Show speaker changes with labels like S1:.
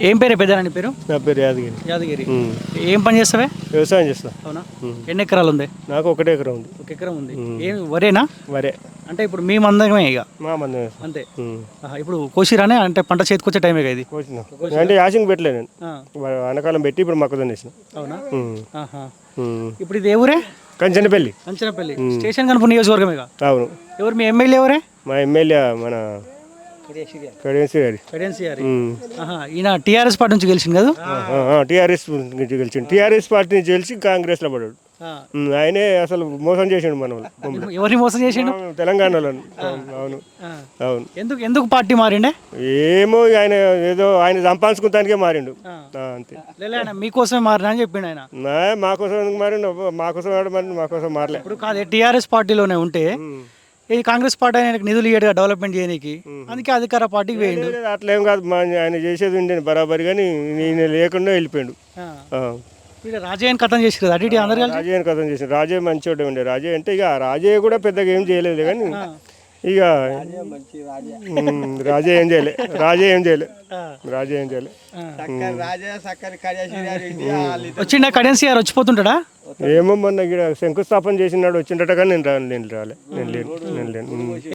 S1: ఏం పేరు పెద్దనాని పేరు?
S2: నా పేరు యాదగిరి.
S1: యాదగిరి. ఏం పని చేస్తావే?
S2: వ్యవసాయం చేస్తా.
S1: అవునా? ఎన్ని ఎకరాలు ఉంది?
S2: నాకు 1 ఎకరం ఉంది.
S1: 1 ఎకరం ఉంది. ఏం వరేనా?
S2: వరే.
S1: అంటే ఇప్పుడు మీ మందమే ఇక
S2: మా మందమే.
S1: అంతే. ఇప్పుడు కోసిరానే అంటే పంట చేతికొచ్చే టైమే కదా ఇది?
S2: కోసిన అంటే యాసింగ్ పెట్టలే నేను. వానకాలం పెట్టి ఇప్పుడు మొక్కజొన్న వేసిన.
S1: అవునా? ఇప్పుడు ఇది ఏ ఊరే?
S2: కంచనపల్లి.
S1: కంచనపల్లి స్టేషన్ కనుపూర్ నియోజకవర్గమే.
S2: అవును.
S1: ఎవరు మీ ఎమ్మెల్యే ఎవరే?
S2: మా ఎమ్మెల్యే మన కడియన్సీ గారి.
S1: ఈయన టీఆర్ఎస్ పార్టీ నుంచి గెలిచింది కదా?
S2: టీఆర్ఎస్ నుంచి గెలిచిండు. టీఆర్ఎస్ పార్టీ నుంచి గెలిచి కాంగ్రెస్ లో పడ్డాడు. ఆయనే అసలు మోసం చేసిండు మన వాళ్ళు.
S1: ఎవరిని మోసం చేసిండు?
S2: తెలంగాణలో. అవును అవును.
S1: ఎందుకు పార్టీ మారిండే?
S2: ఏమో ఆయన ఏదో ఆయన సంపాదించుకుంటానికే మారిండు అంతే.
S1: మీకోసమే మారినా అని చెప్పిండు ఆయన.
S2: మాకోసం ఎందుకు మారిండు? మాకోసం మారలే.
S1: ఇప్పుడు కాదు, టీఆర్ఎస్ పార్టీలోనే ఉంటే ఇది కాంగ్రెస్ పార్టీ ఆయనకు నిధులు ఇయ్యడుగా డెవలప్మెంట్ చేయడానికి, అందుకే అధికార పార్టీకి వేయండు.
S2: అట్లా ఏం కాదు, ఆయన చేసేది ఉండేది బరాబరి, కానీ నేను లేకుండా వెళ్ళిపోయాడు.
S1: రాజయ్యని కథం చేసి కదా అటు అందరు కలిసి
S2: రాజయ్యని కథం చేసి. రాజయ్య మంచిగా ఉండే. రాజయ్య అంటే ఇక రాజయ్య కూడా పెద్దగా ఏం చేయలేదు, కానీ ఇక రాజయ్య ఏం చేయలే.
S1: వచ్చిండా కడెన్సీ గారు వచ్చిపోతుంటాడా?
S2: ఏమో మొన్న ఇక్కడ శంకుస్థాపన చేసినాడు వచ్చిండట, కానీ నేను లేను.